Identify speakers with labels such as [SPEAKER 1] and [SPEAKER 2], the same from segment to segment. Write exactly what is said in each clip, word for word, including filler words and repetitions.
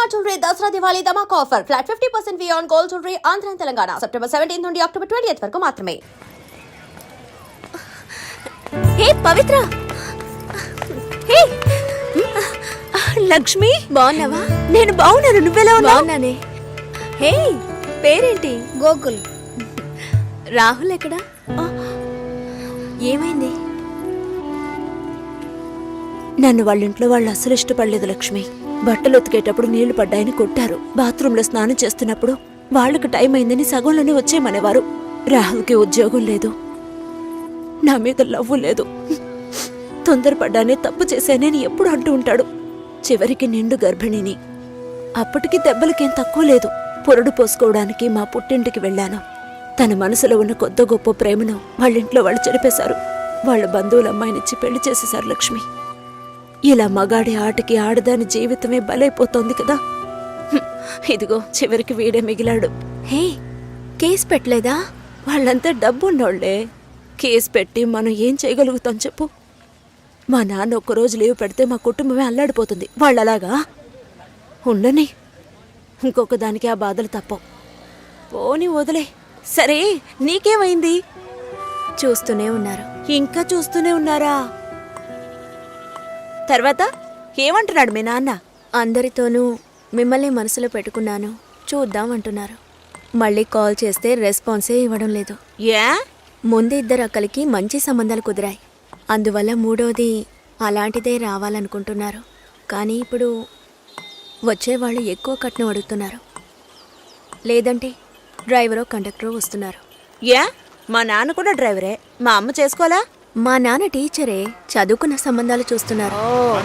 [SPEAKER 1] Shalimar Jewelry Dasra Diwali Dhamak offer. Flat fifty percent V on gold jewelry Andhra and Telangana. September seventeenth నుండి October twentieth వరకు మాత్రమే.
[SPEAKER 2] హే పవిత్ర, హే లక్ష్మి, బాగున్నావా? నేను బాగున్నాను, నువ్వెలా ఉన్నావు? బాగున్నానే. హే పేరేంటి? గోకుల్. రాహుల్ ఎక్కడా? ఏమైంది? నన్ను వాళ్ళ ఇంట్లో వాళ్ళు అసలు ఇష్టపడలేదు లక్ష్మి. బట్టలు ఉతికేటప్పుడు నీళ్లు పడ్డాయని కొట్టారు. బాత్రూంలో స్నానం చేస్తున్నప్పుడు వాళ్ళకి టైం అయిందని సగంలోనే వచ్చేయమనేవారు. రాహుల్కి ఉద్యోగం లేదు, నా మీద లవ్వు లేదు. తొందరపడ్డానే తప్పు చేశానని ఎప్పుడు అంటూ ఉంటాడు. చివరికి నిండు గర్భిణిని. అప్పటికి దెబ్బలకేం తక్కువ లేదు. పొరడు పోసుకోవడానికి మా పుట్టింటికి వెళ్ళాను. తన మనసులో ఉన్న కొద్ద గొప్ప ప్రేమను వాళ్ళింట్లో వాళ్ళు చెరిపేశారు. వాళ్ళ బంధువుల అమ్మాయినిచ్చి పెళ్లి చేసేశారు లక్ష్మి. ఇలా మగాడి ఆటకి ఆడదాని జీవితమే బలైపోతోంది కదా. ఇదిగో చివరికి వీడే మిగిలాడు. హే కేసు పెట్టలేదా? వాళ్ళంతా డబ్బున్నోళ్లే. కేసు పెట్టి మనం ఏం చేయగలుగుతాం చెప్పు? మా నాన్న ఒక్కరోజు లీవ్ పెడితే మా కుటుంబమే అల్లాడిపోతుంది. వాళ్ళలాగా ఉండని. ఇంకొక దానికి ఆ బాధలు తప్పవు. పోని వదిలే. సరే నీకేమైంది? చూస్తూనే ఉన్నారు. ఇంకా చూస్తూనే ఉన్నారా? తర్వాత ఏమంటున్నాడు మీ నాన్న? అందరితోనూ మిమ్మల్ని మనసులో పెట్టుకున్నాను, చూద్దాం అంటున్నారు. మళ్ళీ కాల్ చేస్తే రెస్పాన్సే ఇవ్వడం లేదు. ఏ? ముందు ఇద్దరు అక్కలకి మంచి సంబంధాలు కుదిరాయి. అందువల్ల మూడోది అలాంటిదే రావాలనుకుంటున్నారు. కానీ ఇప్పుడు వచ్చేవాళ్ళు ఎక్కువ కట్నం అడుగుతున్నారు. లేదంటే డ్రైవరో కండక్టరో వస్తున్నారు. ఏ? మా నాన్న కూడా డ్రైవరే. మా అమ్మ చేసుకోవాలా? మా నాన్న టీచరే, చదువుకున్న సంబంధాలు చూస్తున్నారు.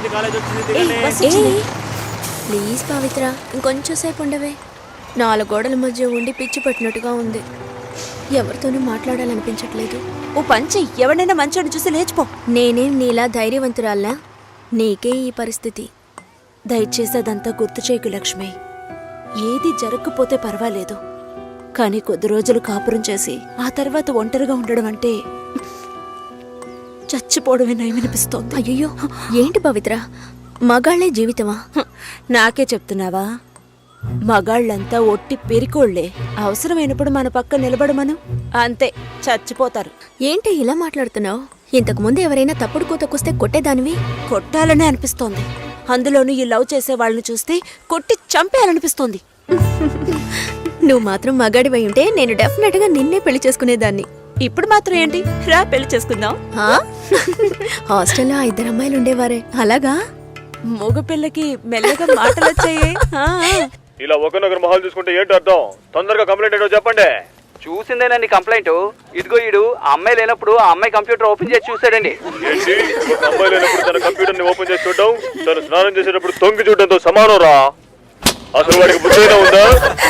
[SPEAKER 2] ప్లీజ్ పవిత్ర, ఇంకొంచెం సేపు ఉండవే. నాలుగు గోడల మధ్య ఉండి పిచ్చి పట్టినట్టుగా ఉంది. ఎవరితోనూ మాట్లాడాలనిపించట్లేదు. ఓ పంచి, ఎవడైనా మంచోడు చూసి లేచిపో. నేనేం నీలా ధైర్యవంతురాల్లా? నీకే ఈ పరిస్థితి. దయచేసి అదంతా గుర్తు చేయకు లక్ష్మి. ఏది జరగకపోతే పర్వాలేదు, కానీ కొద్ది రోజులు కాపురం చేసి ఆ తర్వాత ఒంటరిగా ఉండడం అంటే చచ్చిపోవడమే నయమనిపిస్తోంది. అయ్యో ఏంటి పవిత్ర, మగాళ్లే జీవితమా? నాకే చెప్తున్నావా? మగాళ్ళంతా ఒట్టి పెరికోళ్లే. అవసరమైనప్పుడు మన పక్క నిలబడమను, అంతే చచ్చిపోతారు. ఏంటి ఇలా మాట్లాడుతున్నావు? ఇంతకు ముందు ఎవరైనా తప్పుడు కూతకొస్తే కొట్టేదానివి. కొట్టాలనే అనిపిస్తోంది. అందులోనూ ఈ లవ్ చేసే వాళ్ళని చూస్తే కొట్టి చంపేయాలనిపిస్తోంది. నువ్వు మాత్రం మగాడివై ఉంటే నేను డెఫినెట్ గా నిన్నే పెళ్లి చేసుకునేదాన్ని. ఇప్పుడు మాత్రం ఏంటి, రా పెళ్లి చేసుకుందాం. హాస్టల్లో ఇద్దరు అమ్మాయిలు ఉండేవారే, అలాగా? మగ పిల్లకి మెల్లగా మాటలు వచ్చాయి.
[SPEAKER 3] ఇలా ఒకరినొకరు మొహాలు చూసుకుంటే ఏంటి అర్థం? తొందరగా కంప్లైంట్ ఏంటో చెప్పండి.
[SPEAKER 4] చూసిందేనండి కంప్లైంట్. ఇదిగో ఈడు ఆ అమ్మాయి లేనప్పుడు ఆ అమ్మాయి కంప్యూటర్ ఓపెన్ చేసి చూసాడండి.
[SPEAKER 3] ఏంటి, ఒక అమ్మాయి లేనప్పుడు తన కంప్యూటర్ ని ఓపెన్ చేసి చూడటం తను స్నానం చేసేటప్పుడు తొంగి చూడటంతో సమానం రా. అసలు వాడికి బుద్ధైనా ఉందా?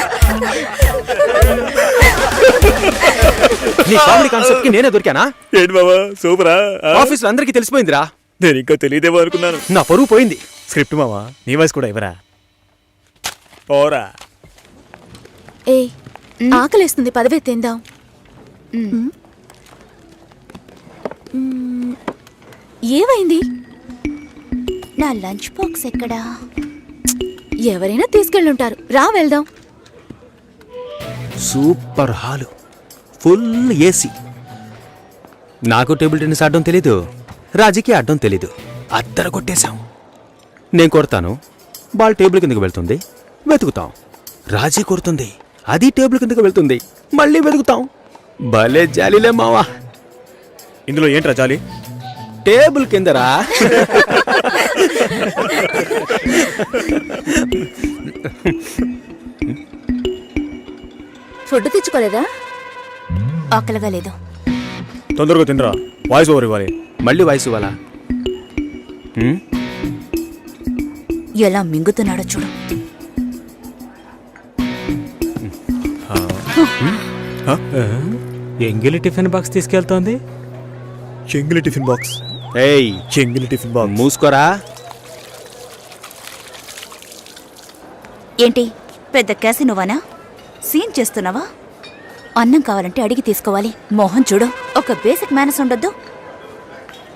[SPEAKER 5] నీ కామెడీ కాన్సెప్ట్ కి నేనే దొరికానా?
[SPEAKER 3] ఏంటి బాబా సూపరా?
[SPEAKER 5] ఆఫీస్ లో అందరికీ తెలిసిపోయిందిరా.
[SPEAKER 3] నేను ఇంకా తెలియదేమో అనుకున్నాను.
[SPEAKER 5] నా పరువు పోయింది.
[SPEAKER 3] స్క్రిప్ట్ మావా, నీ వాయిస్ కూడా ఇవ్వరా? పోరా.
[SPEAKER 2] ఏ ఆకలేస్తుంది, పదవే తిందాం. ఏమైంది? నా లంచ్ బాక్స్ ఎక్కడా? ఎవరైనా తీసుకెళ్ళుంటారు, రా వెళ్దాం.
[SPEAKER 5] Super hall, full AC. నాకు టేబుల్ టెన్నిస్ ఆడడం తెలీదు, రాజీకి ఆడడం తెలీదు. అద్దర కొట్టేశాం. నేను కొడతాను, బాల్ టేబుల్ కిందకి వెళ్తుంది, వెతుకుతాం. రాజీ కొడుతుంది, అది టేబుల్ కిందకి వెళ్తుంది, మళ్ళీ వెతుకుతాం. భలే జాలీలే మావా.
[SPEAKER 3] ఇందులో ఏంట్రా జాలి?
[SPEAKER 5] టేబుల్ కిందరా.
[SPEAKER 2] ఫుడ్ తెచ్చుకోలేదా? ఆకలిగా లేదు.
[SPEAKER 3] తొందరగా తినరా, వాయిస్ ఓవర్ ఇవ్వాలి.
[SPEAKER 5] మళ్ళీ వాయిస్ ఇవ్వాలా?
[SPEAKER 2] ఎలా మింగుతున్నాడో చూడు.
[SPEAKER 6] ఎంగిలి టిఫిన్ బాక్స్ తీసుకెళ్తోంది.
[SPEAKER 3] చెంగిలి టిఫిన్ బాక్స్?
[SPEAKER 5] ఏయ్
[SPEAKER 3] చెంగిలి టిఫిన్ బాక్స్
[SPEAKER 5] మూసుకోరా.
[SPEAKER 2] ఏంటి పెద్ద క్యాసినోవానా? సీన్ చేస్తున్నావా? అన్నం కావాలంటే అడిగి తీసుకోవాలి. మోహన్ చూడు, ఒక బేసిక్ మేనస్ ఉండొద్దు.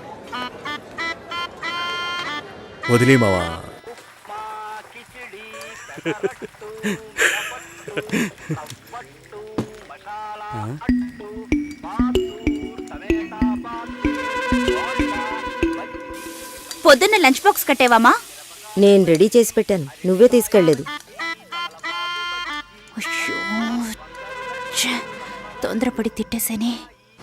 [SPEAKER 3] వదిలే మావా.
[SPEAKER 7] పొద్దున్న లంచ్ బాక్స్ కట్టేవామా?
[SPEAKER 8] నేను రెడీ చేసి పెట్టాను, నువ్వే తీసుకెళ్లేదు.
[SPEAKER 7] అయ్యో, ఛే, తొందరపడి తిట్టేసేనే.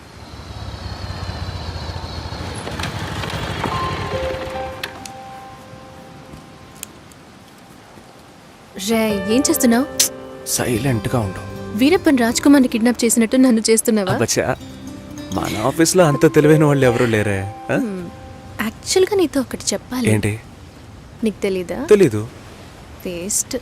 [SPEAKER 9] రే, ఏం చేస్తున్నావు?
[SPEAKER 10] సైలెంట్ గా ఉండు.
[SPEAKER 9] వీరప్పన్ రాజ్ కుమార్ని కిడ్నాప్ చేసినట్టు నన్ను చేస్తున్నావా?
[SPEAKER 10] అబ్బచ్చా, మన ఆఫీస్లో అంత తెలివైన వాళ్ళు ఎవరు లేరే. ఆ?
[SPEAKER 9] యాక్చువల్గా నీతో ఒకటి చెప్పాలి.
[SPEAKER 10] ఏంటి?
[SPEAKER 9] నీకు తెలీదా?
[SPEAKER 10] తెలీదు.
[SPEAKER 9] వేస్ట్.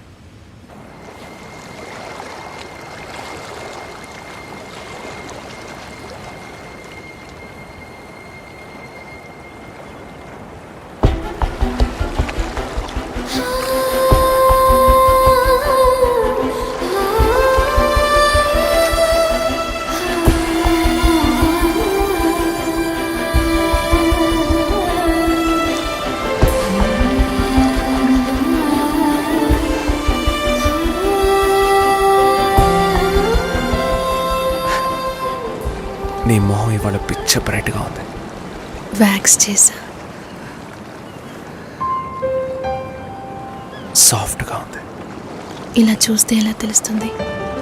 [SPEAKER 10] నీ మొహం ఇవాళ పిచ్చ బ్రైట్ గా ఉంది.
[SPEAKER 9] వ్యాక్స్ చేసా.
[SPEAKER 10] సాఫ్ట్ గా ఉంది.
[SPEAKER 9] ఇలా చూస్తే ఎలా తెలుస్తుంది?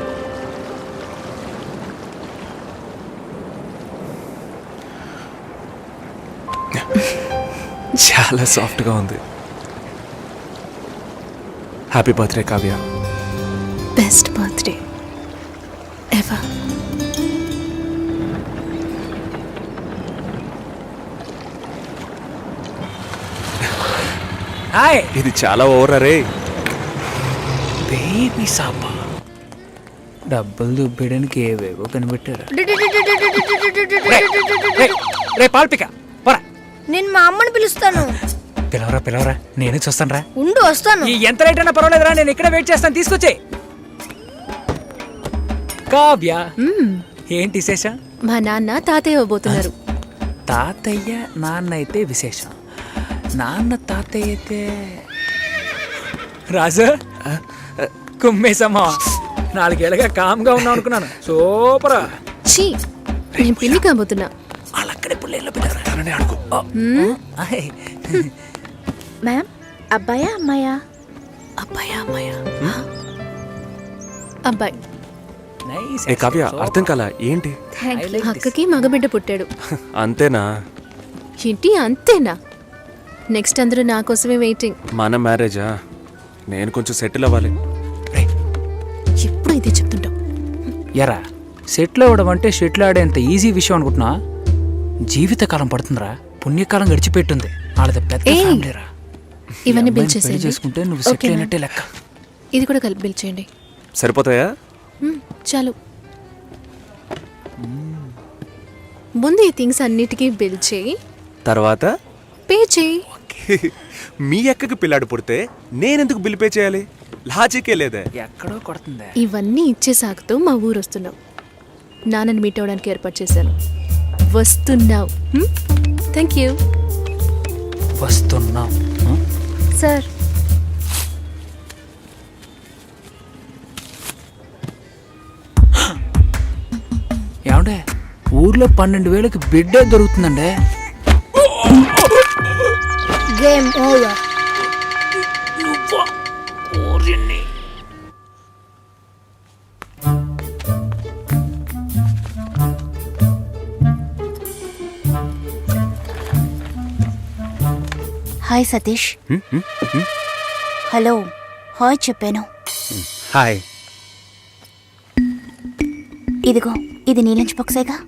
[SPEAKER 10] చాలా సాఫ్ట్ గా ఉంది. Happy birthday Kavya.
[SPEAKER 9] Best birthday ever.
[SPEAKER 10] Hi. ఇది చాలా ఓవర్ అరే. బేబీ సాపా
[SPEAKER 4] డబ్బులు దుబ్బేయడానికి ఏవేవో కనిపెట్టారు.
[SPEAKER 6] రే పాల్పిక పోరా.
[SPEAKER 8] నేను మా అమ్మని పిలుస్తాను.
[SPEAKER 6] పిలవరా పిలవరా, నేను చూస్తాను రా.
[SPEAKER 8] ఉండు, వస్తాను.
[SPEAKER 6] ఈ ఎంత రేట్ అయినా పర్వాలేదురా, నేను ఇక్కడే వెయిట్ చేస్తాను, తీసుకొచ్చే. కావ్య, ఏంటి విశేషం?
[SPEAKER 9] మా నాన్న తాతయ్య అవ్వబోతున్నారు.
[SPEAKER 4] తాతయ్య నాన్న అయితే విశేషం, నాన్న తాతయ్య అయితే
[SPEAKER 6] రాజు కుమ్మేసమ్మా. నాలుగేళ్ళగా కామ్గా ఉన్నావు అనుకున్నాను. సూపరా.
[SPEAKER 9] ఛీ, నేను పిల్లి కాబోతున్నా.
[SPEAKER 4] వాళ్ళు అక్కడే పుల్లేళ్ళు పెట్టారు.
[SPEAKER 10] అడుగు.
[SPEAKER 7] మ్యామ్, అబ్బాయా అమ్మాయా?
[SPEAKER 9] అబ్బాయా అమ్మాయా? అబ్బాయి.
[SPEAKER 10] ఏ కావ్య, అర్థం కాల ఏంటి?
[SPEAKER 9] అక్కకి మగబిడ్డ పుట్టాడు.
[SPEAKER 10] అంతేనా?
[SPEAKER 9] ఏంటి అంతేనా? నెక్స్ట్ అందరూ నా కోసమే వెయిటింగ్.
[SPEAKER 10] మన మ్యారేజా? నేను కొంచెం సెటిల్ అవ్వాలి.
[SPEAKER 9] ఎప్పుడు ఇదే చెప్తుంటావు.
[SPEAKER 4] ఎరా, సెటిల్ అవ్వడం అంటే షెటిల్ ఆడేంత ఈజీ విషయం అనుకుంటున్నా? జీవితకాలం పడుతుందిరా, పుణ్యకాలం గడిచిపెట్టుంది. వాళ్ళది పెద్ద ఫ్యామిలీరా.
[SPEAKER 9] ఇవన్నీ బిల్
[SPEAKER 4] పెళ్లి
[SPEAKER 9] చేసేయండి.
[SPEAKER 4] చేసుకుంటే నువ్వు సెటిల్
[SPEAKER 9] ఓకేనా?
[SPEAKER 4] అయినట్టే లెక్క.
[SPEAKER 9] ఇది కూడా కలిపి బిల్ చేయండి.
[SPEAKER 10] సరిపోతాయా?
[SPEAKER 9] మ్మ్, చాలు. ముందు ఈ థింగ్స్ అన్నిటికీ బిల్ చేయి,
[SPEAKER 10] తర్వాత
[SPEAKER 9] పే చేయి.
[SPEAKER 10] మీ అక్కకి పిల్లాడు పుడితే నేనెందుకు బిల్ పే చేయాలి? లాజికే లేదే.
[SPEAKER 4] ఎక్కడో కొడుతుందా?
[SPEAKER 9] ఇవన్నీ ఇచ్చే సాగుతూ మా ఊరు వస్తున్నావు. నాన్నని మీట్ అవ్వడానికి ఏర్పాటు చేశాను. వస్తున్నావు. Thank you.
[SPEAKER 4] వస్తున్నాం
[SPEAKER 7] సార్,
[SPEAKER 4] ఏమండే, ఊర్లో పన్నెండు వేలకి బిడ్డే దొరుకుతుందండే.
[SPEAKER 8] Game over.
[SPEAKER 7] Hi Satish. Hello, hi చెప్పాను.
[SPEAKER 5] హాయ్.
[SPEAKER 7] ఇదిగో, ఇది నీ లంచ్ బాక్సేగా.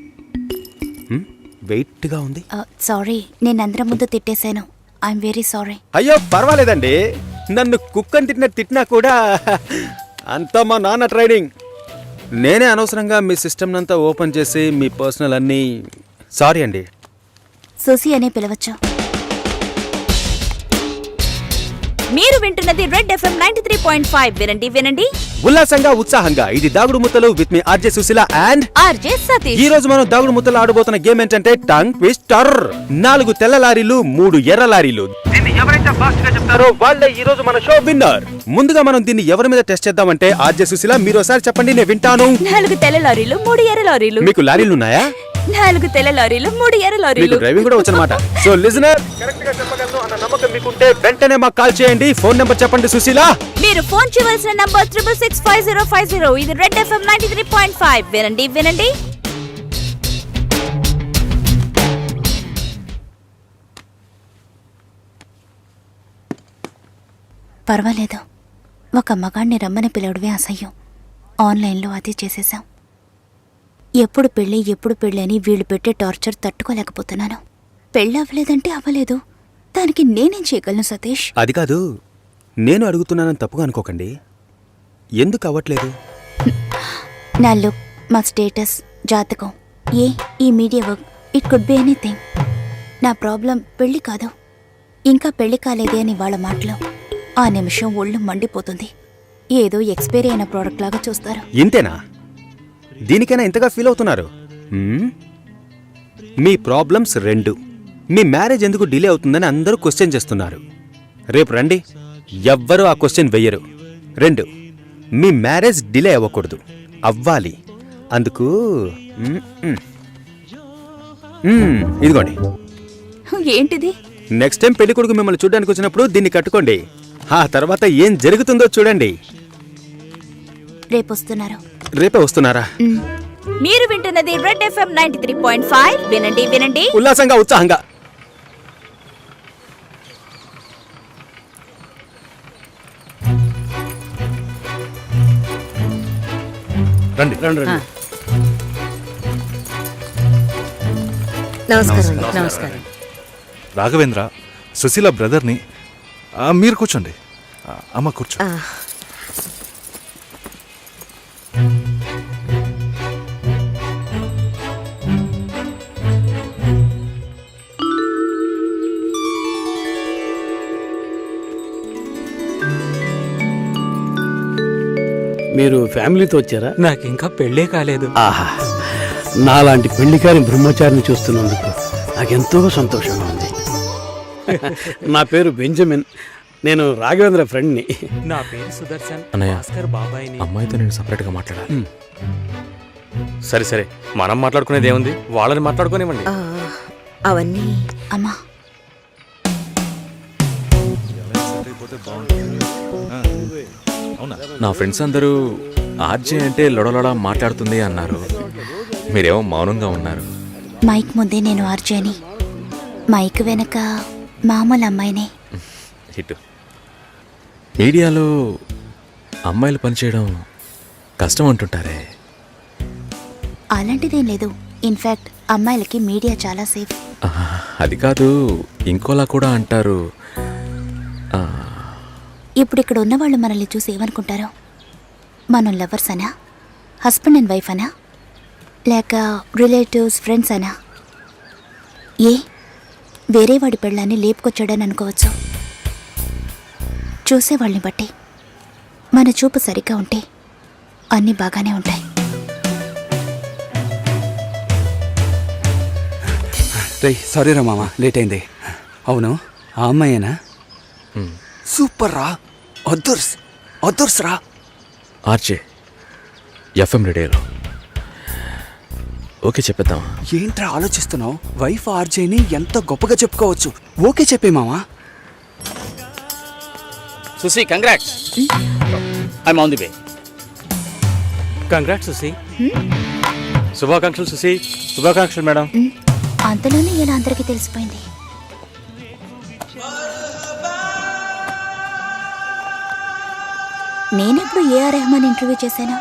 [SPEAKER 5] వెయిట్గా ఉంది.
[SPEAKER 7] సారీ, నేను అందరం ముందు తిట్టేశాను. I'm very sorry.
[SPEAKER 5] అయ్యో పర్వాలేదండి, నన్ను కుక్కని తిట్టిన తిట్టినా కూడా అంతా మా నాన్న ట్రైనింగ్. నేనే అనవసరంగా మీ సిస్టమ్ అంతా ఓపెన్ చేసి మీ పర్సనల్ అన్నీ. సారీ అండి.
[SPEAKER 7] సోసి అనే పిలవచ్చు.
[SPEAKER 2] మీరు వింటున్నది Red FM ninety three point five. వినండి వినండి
[SPEAKER 5] ఉల్లాసంగా ఉత్సాహంగా ఇది దాగుడు ముత్తలు విత్ మీ RJ Sushila and
[SPEAKER 2] RJ Satish.
[SPEAKER 5] ఈ రోజు మనం దాగుడు ముత్తలు ఆడబోతున్న గేమ్ ఏంటంటే టంగ్ ట్విస్టర్. నాలుగు తెల్ల లారీలు మూడు ఎర్ర లారీలు. దీన్ని ఎవరైతే ఫాస్ట్ గా చెప్తారో వాళ్ళే ఈ రోజు మన షో విన్నర్. ముందుగా మనం దీన్ని ఎవరి మీద టెస్ట్ చేద్దామంటే ఆర్జే సుశీల మీరు ఒకసారి చెప్పండి, నేను వింటాను.
[SPEAKER 2] నాలుగు తెల్ల లారీలు మూడు ఎర్ర లారీలు.
[SPEAKER 5] మీకు లారీలు ఉన్నాయా?
[SPEAKER 2] నాలుగు తెల్ల లారీలు మూడు ఎర్ర
[SPEAKER 5] మీకు
[SPEAKER 2] లారీలు.
[SPEAKER 5] డ్రైవింగ్ కూడా వచ్చనమాట. సో లిజనర్ కరెక్ట్ గా చెప్పగలను అన్న నమ్మకం మీకుంటే వెంటనే మాకు కాల్ చేయండి. ఫోన్ నెంబర్ చెప్పండి సుశీల.
[SPEAKER 2] మీరు ఫోన్ చేయవలసిన number triple six five zero five zero. ఇది Red FM ninety three point five. వినండి వినండి పర్వాలేదు, ఒక మగాణ్ణి రమ్మని పిలవడమే అసహ్యం. ఆన్లైన్లో అది చేసేసాం. ఎప్పుడు పెళ్ళి ఎప్పుడు పెళ్ళి అని వీళ్ళు పెట్టే టార్చర్ తట్టుకోలేకపోతున్నాను. పెళ్ళి అవ్వలేదంటే అవ్వలేదు, దానికి నేనేం చేయగలను సతీష్?
[SPEAKER 5] అది కాదు, నేను అడుగుతున్నానని తప్పుగా అనుకోకండి. ఎందుకు అవ్వట్లేదు?
[SPEAKER 7] నా లుక్, మా స్టేటస్, జాతకం, ఏ ఈ media work, it could be anything. నా ప్రాబ్లం పెళ్లి కాదు, ఇంకా పెళ్లి కాలేదే అని వాళ్ళ మాటలు. ఆ నిమిషం ఒళ్ళు మండిపోతుంది. ఏదో ఎక్స్పైరీ అయిన ప్రోడక్ట్ లాగా చూస్తారు.
[SPEAKER 5] ఇంతేనా? దీనికైనా ఇంతగా ఫీల్ అవుతున్నారు? హ్మ్? మీ ప్రాబ్లమ్స్ రెండు. మీ మ్యారేజ్ ఎందుకు డిలే అవుతుందని అందరూ క్వశ్చన్ చేస్తున్నారు. రేపు రండి, ఎవ్వరూ ఆ క్వశ్చన్ వెయ్యరు. రెండు, మీ మ్యారేజ్ డిలే అవ్వకూడదు, అవ్వాలి. అందుకు మ్మ్, మ్మ్. మ్మ్, ఇదిగోండి.
[SPEAKER 2] ఏంటిది?
[SPEAKER 5] నెక్స్ట్ టైం పెళ్లి కొడుకు మిమ్మల్ని చూడడానికి వచ్చినప్పుడు దీన్ని కట్టుకోండి. ఆ తర్వాత ఏం జరుగుతుందో చూడండి.
[SPEAKER 7] రేపు వస్తున్నారు.
[SPEAKER 5] రేపే వస్తున్నారా?
[SPEAKER 2] మీరు వింటున్నది Red FM ninety three point five. వినండి వినండి
[SPEAKER 5] ఉల్లాసంగా ఉత్సాహంగా.
[SPEAKER 10] రండి రండి రండి.
[SPEAKER 8] నమస్కారం నమస్కారం.
[SPEAKER 10] రాఘవేంద్ర, సుశీల బ్రదర్ని. ఆ, మీరు కూర్చోండి. ఆ, అమ్మ కూర్చో.
[SPEAKER 11] మీరు ఫ్యామిలీతో వచ్చారా?
[SPEAKER 6] నాకు ఇంకా పెళ్ళే కాలేదు.
[SPEAKER 11] ఆహా, నాలాంటి పెళ్లికారి బ్రహ్మచారిని చూస్తున్నందుకు నాకెంతో సంతోషంగా ఉంది. నా పేరు బెంజమిన్, నేను రాఘవేంద్ర ఫ్రెండ్ని.
[SPEAKER 6] నా పేరు సుదర్శన్.
[SPEAKER 3] భాస్కర్ బాబాయ్ని అమ్మాయితో నేను సపరేట్ గా మాట్లాడాలి. సరే సరే, మనం మాట్లాడుకునేది ఏముంది, వాళ్ళని మాట్లాడుకునేవ్వండి.
[SPEAKER 8] అవన్నీ
[SPEAKER 7] అమ్మా,
[SPEAKER 3] నా ఫ్రెండ్స్ అందరూ ఆర్జే అంటే లొడలొడ మాట్లాడుతుంది అన్నారు. మీరేమో మౌనంగా ఉన్నారు.
[SPEAKER 7] మైక్ ముందే నేను ఆర్జేని, మైక్ వెనక మామూలు అమ్మాయినే.
[SPEAKER 3] హిట్. మీడియాలో అమ్మాయిలు పనిచేయడం కష్టం అంటుంటారే.
[SPEAKER 7] అలాంటిదేం లేదు. ఇన్ఫాక్ట్ అమ్మాయిలకి మీడియా చాలా సేఫ్.
[SPEAKER 3] ఆహా, అది కాదు, ఇంకోలా కూడా అంటారు. ఆ,
[SPEAKER 7] ఇప్పుడు ఇక్కడ ఉన్నవాళ్ళు మనల్ని చూసి ఏమనుకుంటారు? మనం లవర్స్ అనా, హస్బెండ్ అండ్ వైఫ్ అనా, లేక రిలేటివ్స్, ఫ్రెండ్స్ అనా? ఏ వేరే వాడి పెళ్ళాన్ని లేపుకొచ్చాడని అనుకోవచ్చు. చూసేవాళ్ళని బట్టి మన చూపు సరిగ్గా ఉంటే అన్నీ బాగానే ఉంటాయి.
[SPEAKER 11] రే సారీ రా మామ, లేట్ అయింది. అవును, ఆ అమ్మాయేనా? సూపర్ రా, అదుర్స్ అదుర్స్ రా.
[SPEAKER 3] ఆర్జే ఎఫ్ఎం రేడియోలో ఓకే చెప్పేద్దామా?
[SPEAKER 11] ఏంట్రా ఆలోచిస్తున్నావు? వైఫ్ ఆర్జేని ఎంత గొప్పగా చెప్పుకోవచ్చు. ఓకే చెప్పే మామా. Susi, congrats. I'm on the way.
[SPEAKER 6] Congrats Susi.
[SPEAKER 3] శుభాకాంక్షలు సుసి.
[SPEAKER 10] శుభాకాంక్షలు మేడం.
[SPEAKER 7] అంతలోనే ఇలా అందరికీ తెలిసిపోయింది. నేనెప్పుడు ఏఆర్ రెహమాన్ ఇంటర్వ్యూ చేశాను?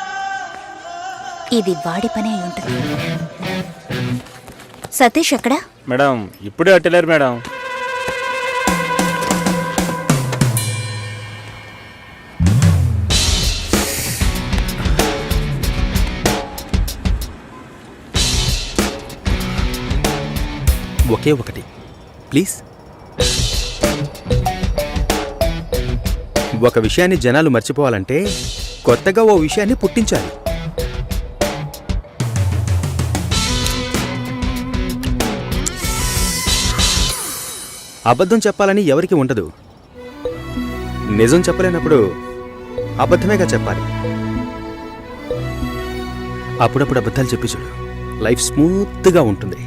[SPEAKER 7] ఇది వాడి పని అయి ఉంటుంది. సతీష్ ఎక్కడా?
[SPEAKER 10] మేడం ఇప్పుడే అట్టలేరు మేడం.
[SPEAKER 5] ఒకే ఒకటి ప్లీజ్. ఒక విషయాన్ని జనాలు మర్చిపోవాలంటే కొత్తగా ఓ విషయాన్ని పుట్టించాలి. అబద్ధం చెప్పాలని ఎవరికి ఉండదు. నిజం చెప్పలేనప్పుడు అబద్ధమేగా చెప్పాలి. అప్పుడప్పుడు అబద్ధాలు చెప్పి చూడు, లైఫ్ స్మూత్గా ఉంటుంది.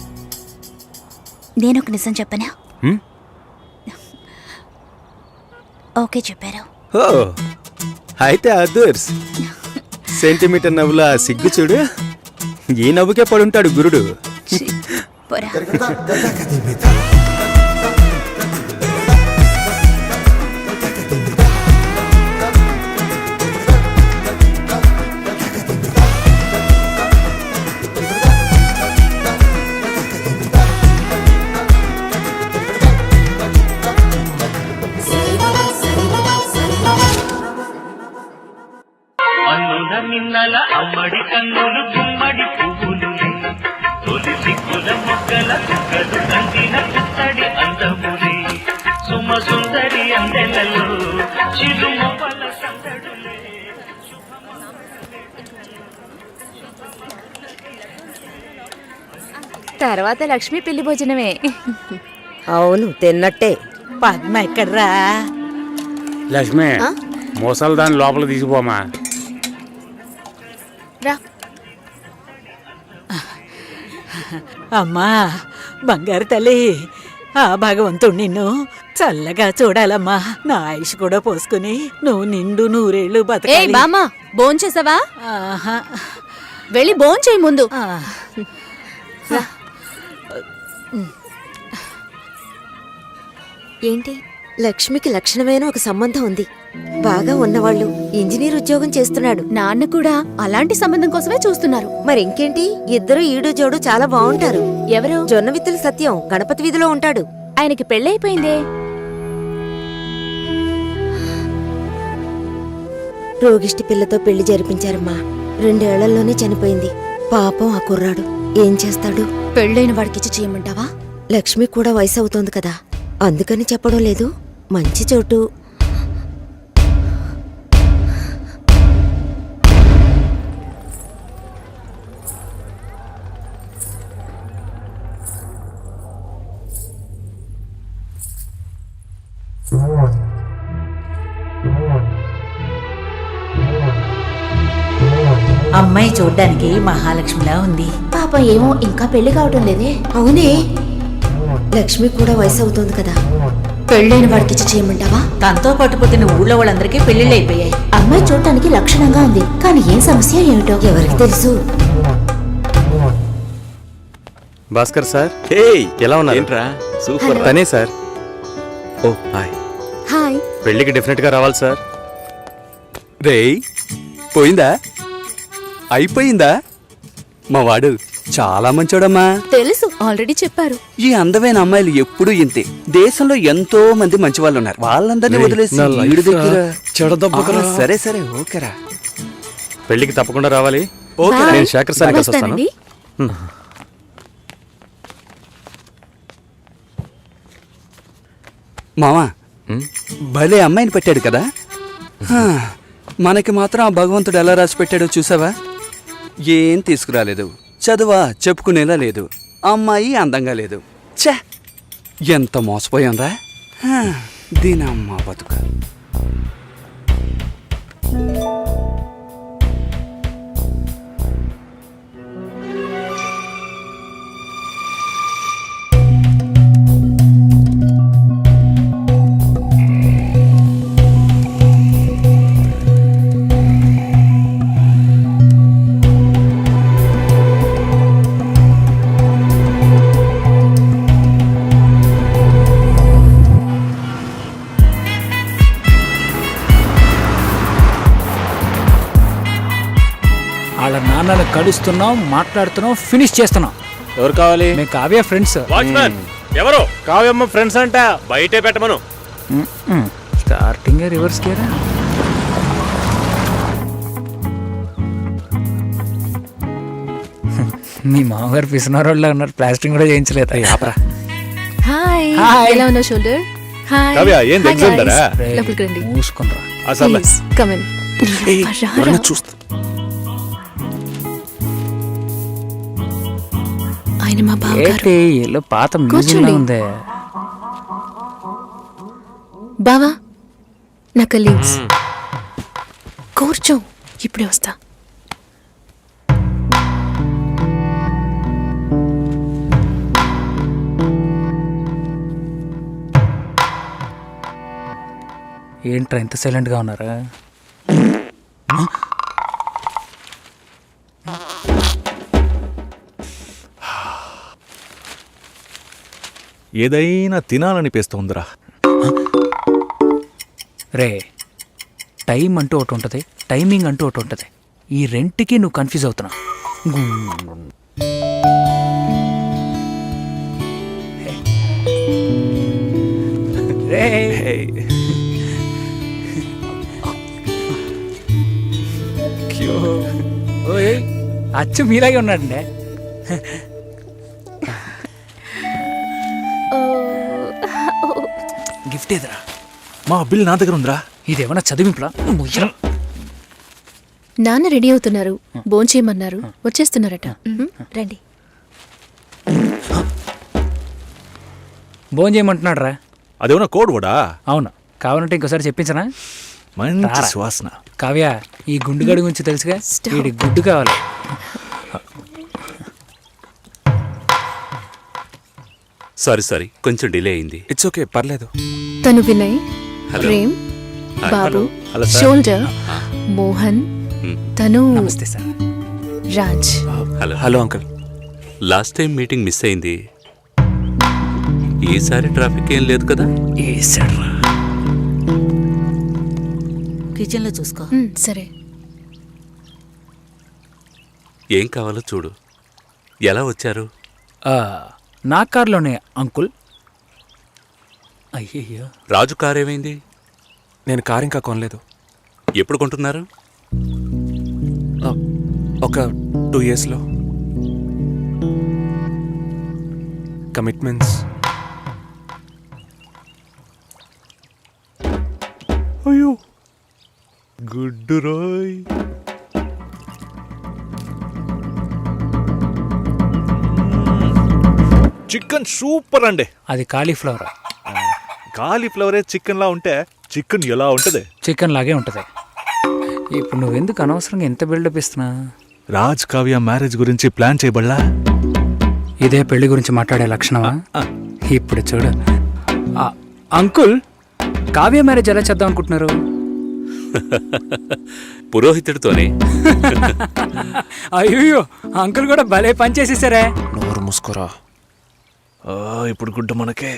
[SPEAKER 7] నేనొక నిజం చెప్పనా?
[SPEAKER 5] హ్మ్?
[SPEAKER 7] ఓకే చెప్పారు.
[SPEAKER 5] ఓ అయితే అదర్స్ సెంటీమీటర్ నవ్వులా సిగ్గు చూడు. ఈ నవ్వుకే పడుంటాడు గురుడు.
[SPEAKER 7] పోరా.
[SPEAKER 12] అన్నుల మిన్నల అమ్మడి కన్నులు గుమ్మడి పువ్వులులే తొలి సిగ్గుల మొగ్గల చుక్కలు కంటిన పుత్తడి అందములే సుమ సుందరి అందెలలో చిరుమొపల సందడులే.
[SPEAKER 2] తర్వాత లక్ష్మి పెళ్లి భోజనమే.
[SPEAKER 8] అవును తిన్నట్టే. పద్మ ఎక్కడ్రా?
[SPEAKER 6] లక్ష్మి మోసాలు దాని లోపల తీసిపోమా.
[SPEAKER 9] రా.
[SPEAKER 8] అమ్మా బంగారు తల్లి, ఆ భగవంతుడు నిన్ను చల్లగా చూడాలమ్మా. నా ఆయుష్ కూడా పోసుకుని నువ్వు నిండు నూరేళ్లు
[SPEAKER 9] ఏ
[SPEAKER 8] బతకాలి.
[SPEAKER 9] బామ్మ భోంచేసావా?
[SPEAKER 8] ఆహా.
[SPEAKER 9] వెళ్ళి భోంచేయి ముందు.
[SPEAKER 8] ఆ.
[SPEAKER 2] ఏంటి, లక్ష్మికి లక్షణమైన ఒక సంబంధం ఉంది. బాగా ఉన్నవాళ్ళు, ఇంజనీర్ ఉద్యోగం చేస్తున్నాడు.
[SPEAKER 9] నాన్న కూడా అలాంటి సంబంధం కోసమే చూస్తున్నారు.
[SPEAKER 2] మరి ఇంకేంటి, ఇద్దరు ఈడు జోడు చాలా బాగుంటారు.
[SPEAKER 9] ఎవరు?
[SPEAKER 2] జొన్న విత్తుల సత్యం గణపతి వీధిలో ఉంటాడు.
[SPEAKER 9] ఆయనకి పెళ్ళైపోయిందే.
[SPEAKER 2] రోగిష్టి పిల్లతో పెళ్లి జరిపించారమ్మా. రెండేళ్లలోనే చనిపోయింది. పాపం ఆ కుర్రాడు ఏం చేస్తాడు?
[SPEAKER 9] పెళ్ళైన వాడికిచ్చి చేయమంటావా?
[SPEAKER 2] లక్ష్మి కూడా వయసు అవుతోంది కదా, అందుకని చెప్పడం లేదు. మంచి చోటు.
[SPEAKER 8] అమ్మాయి చూడ్డానికి మహాలక్ష్మిలా ఉంది.
[SPEAKER 7] పాపం ఏమో ఇంకా పెళ్లి కావటం లేదే.
[SPEAKER 2] అవునే, లక్ష్మి కూడా వయసు అవుతోంది కదా.
[SPEAKER 7] పెళ్ళైన వాడికిచ్చి చేయమంటావా?
[SPEAKER 8] తనతో పాటు పుట్టిన ఊళ్ళో వాళ్ళందరికీ పెళ్లిళ్ళు అయిపోయాయి.
[SPEAKER 7] అమ్మాయి చూడటానికి లక్షణంగా ఉంది, కానీ ఏం సమస్య ఏమిటో
[SPEAKER 2] ఎవరికి తెలుసు?
[SPEAKER 5] భాస్కర్ సార్, ఎలా ఉన్నారు? ఏంట్రా సూపర్. తనే సార్. ఓ హాయ్.
[SPEAKER 9] హాయ్.
[SPEAKER 5] పెళ్లికి డెఫినెట్ గా రావాలి సార్.
[SPEAKER 11] రేయ్ పోయిందా? అయిపోయిందా? మా వాడు చాలా మంచోడమ్మా.
[SPEAKER 9] తెలుసు, ఆల్రెడీ చెప్పారు.
[SPEAKER 11] ఈ అందమైన అమ్మాయిలు ఎప్పుడూ ఇంతే. దేశంలో ఎంతో మంది మంచి వాళ్ళు ఉన్నారు. వాళ్ళందరినీ వదిలేసి ఈడు దగ్గర ఆ, సరే సరే ఓకేరా.
[SPEAKER 5] పెళ్లికి తప్పకుండా రావాలి.
[SPEAKER 11] ఓకే
[SPEAKER 5] నేను శేఖర్ సార్ కలిసి వస్తాను.
[SPEAKER 9] వస్తానండి.
[SPEAKER 11] మామా భలే అమ్మాయిని పెట్టాడు కదా. హా, మనకి మాత్రం ఆ భగవంతుడు ఎలా రాసి పెట్టాడో చూసావా? ఏం తీసుకురాలేదు, చదువా చెప్పుకునేలా లేదు, అమ్మాయి అందంగా లేదు. ఛే, ఎంత మోసపోయాంరా. హా, దీనమ్మ బతుక.
[SPEAKER 4] వాళ్ళ నాన్నలు కలుస్తున్నాం, మాట్లాడుతున్నాం, ఫినిష్ చేస్తున్నాం.
[SPEAKER 3] ఎవరు కావాలి?
[SPEAKER 4] మేము కావ్య ఫ్రెండ్స్.
[SPEAKER 3] వాచ్మెన్ ఎవరు? కావ్యమ్మ ఫ్రెండ్స్ అంట, బయటే పెట్టమను.
[SPEAKER 4] స్టార్టింగ్ రివర్స్ గేరా. మీ మామగారు పిసినారోళ్ళ ఉన్నారు, ప్లాస్టింగ్ కూడా చేయించలేదు.
[SPEAKER 9] హాయ్.
[SPEAKER 4] హాయ్.
[SPEAKER 9] ఎలా ఉన్నావు షోల్డర్? హాయ్
[SPEAKER 10] కావ్య, ఏంది
[SPEAKER 9] హాయ్
[SPEAKER 10] exam
[SPEAKER 9] guys.
[SPEAKER 10] దరా?
[SPEAKER 9] లోపలికి రండి
[SPEAKER 4] మూసుకుంటా
[SPEAKER 10] అసలు
[SPEAKER 9] కమ్ ఇన్
[SPEAKER 10] చూస్తా
[SPEAKER 9] ఆయన మా బావగారు
[SPEAKER 4] ఏంటి ఇల్లు పాత మ్యూజియం
[SPEAKER 9] కూర్చోండి.
[SPEAKER 4] ఉందే.
[SPEAKER 9] బావా నా కలీగ్స్ కూర్చో ఇప్పుడే వస్తా
[SPEAKER 4] ఏంట్రా ఇంత సైలెంట్ గా ఉన్నారా?
[SPEAKER 10] ఏదైనా తినాలనిపిస్తోందిరా.
[SPEAKER 4] రే టైం అంటూ ఒకటి ఉంటుంది, టైమింగ్ అంటూ ఒకటి ఉంటుంది. ఈ రెంట్కి నువ్వు కన్ఫ్యూజ్ అవుతున్నా. రే ఓయ్ అచ్చు మీలాగే ఉన్నాడండి. గిఫ్ట్ ఏదిరా?
[SPEAKER 10] మా బిల్ నా దగ్గర ఉందిరా.
[SPEAKER 4] ఇదేమన్నా చదివింపులా?
[SPEAKER 9] నాన్న రెడీ అవుతున్నారు, భోంచేయమన్నారు, వచ్చేస్తున్నారట. మ్, రండి.
[SPEAKER 4] భోజనం చేయమంటున్నాడు రా.
[SPEAKER 10] అదేమన్నా కోడ్ కూడా.
[SPEAKER 4] అవును, కావాలంటే ఇంకోసారి చెప్పించనా?
[SPEAKER 10] మంచి
[SPEAKER 4] రారా.
[SPEAKER 10] సువాసన.
[SPEAKER 4] కావ్య, ఈ గుండుగడి గురించి తెలుసుగా,
[SPEAKER 9] Stop.
[SPEAKER 4] వీడి గుడ్డు కావాలి.
[SPEAKER 5] సారీ సారీ కొంచెం డిలే అయింది.
[SPEAKER 10] ఇట్స్ ఓకే, పర్లేదు.
[SPEAKER 9] తను Vinay,
[SPEAKER 5] hello.
[SPEAKER 9] Prem,
[SPEAKER 5] hi.
[SPEAKER 9] Babu,
[SPEAKER 10] hello sir.
[SPEAKER 9] Shoulder, Mohan,
[SPEAKER 5] మ్.
[SPEAKER 9] తను
[SPEAKER 4] నమస్తే sir.
[SPEAKER 9] Raj.
[SPEAKER 5] Hello
[SPEAKER 10] hello uncle.
[SPEAKER 5] Last time meeting miss అయింది. ఈసారి ట్రాఫిక్ ఏం లేదు కదా?
[SPEAKER 4] ఏసాడ్రా.
[SPEAKER 8] కిచెన్ లో చూసుకో.
[SPEAKER 9] మ్, సరే.
[SPEAKER 5] ఏం కావాలో చూడు. ఎలా వచ్చారు?
[SPEAKER 4] ఆ, నా కార్లోనే అంకుల్. అయ్యయ్యో,
[SPEAKER 5] రాజు కార్ ఏమైంది?
[SPEAKER 10] నేను కార్ ఇంకా కొనలేదు.
[SPEAKER 5] ఎప్పుడు కొంటున్నారు?
[SPEAKER 10] ఆ, ఒక టూ ఇయర్స్లో. కమిట్మెంట్స్. అయ్యో గుడ్డు రోయ్. చికెన్ సూపర్ అండి.
[SPEAKER 4] అది కాలీఫ్లవర్.
[SPEAKER 10] కాలీఫ్లవరే చికెన్ లా ఉంటే చికెన్ ఎలా ఉంటది?
[SPEAKER 4] చికెన్ లాగే ఉంటుంది. ఇప్పుడు నువ్వెందుకు అనవసరంగా ఎంత బిల్డప్ ఇస్తున్నా?
[SPEAKER 10] రాజ్ కావ్య మ్యారేజ్ గురించి ప్లాన్ చేయబడలా?
[SPEAKER 4] ఇదే పెళ్లి గురించి మాట్లాడే లక్షణమా? ఇప్పుడు చూడు. ఆ, అంకుల్, కావ్య మ్యారేజ్ ఎలా చేద్దాం అనుకుంటున్నారు?
[SPEAKER 5] పురోహితుడితోనే.
[SPEAKER 4] అయ్యో, అంకుల్ కూడా భలే పని చేసేసారే.
[SPEAKER 10] నోరు మూసుకోరా. ఆ, ఇప్పుడు గుడ్డ మనకే.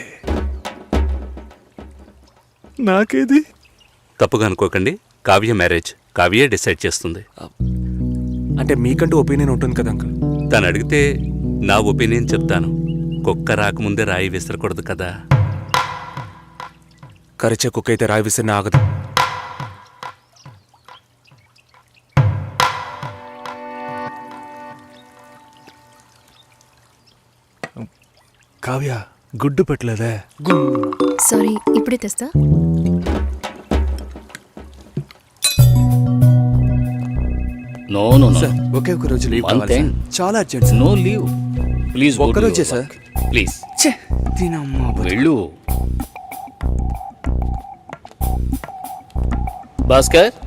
[SPEAKER 10] నాకేది?
[SPEAKER 5] తప్పుగా అనుకోకండి, కావ్య మ్యారేజ్ కావ్యే డిసైడ్ చేస్తుంది.
[SPEAKER 10] అంటే మీకంటూ ఒపీనియన్ ఉంటుంది కదా అంకుల్.
[SPEAKER 5] తను అడిగితే నా ఒపీనియన్ చెప్తాను. కుక్క రాకముందే రాయి విసరకూడదు కదా.
[SPEAKER 10] కరిచే కుక్క అయితే రాయి విసిరిన ఆగదు. కావ్య గుడ్డు పెట్టలేదే.
[SPEAKER 9] సారీ, ఇప్పుడే తెస్తా.
[SPEAKER 12] నో నో నో
[SPEAKER 11] సార్ ఒకే ఒక రోజు లీవ్
[SPEAKER 12] One
[SPEAKER 11] కావాలి
[SPEAKER 12] thing.
[SPEAKER 11] సార్. చాలా urgent sir.
[SPEAKER 12] No leave please.
[SPEAKER 11] ఒక్క రోజే సార్.
[SPEAKER 12] ప్లీజ్
[SPEAKER 11] ఛే, దీనమ్మా బతుకు.
[SPEAKER 12] వెళ్ళు. భాస్కర్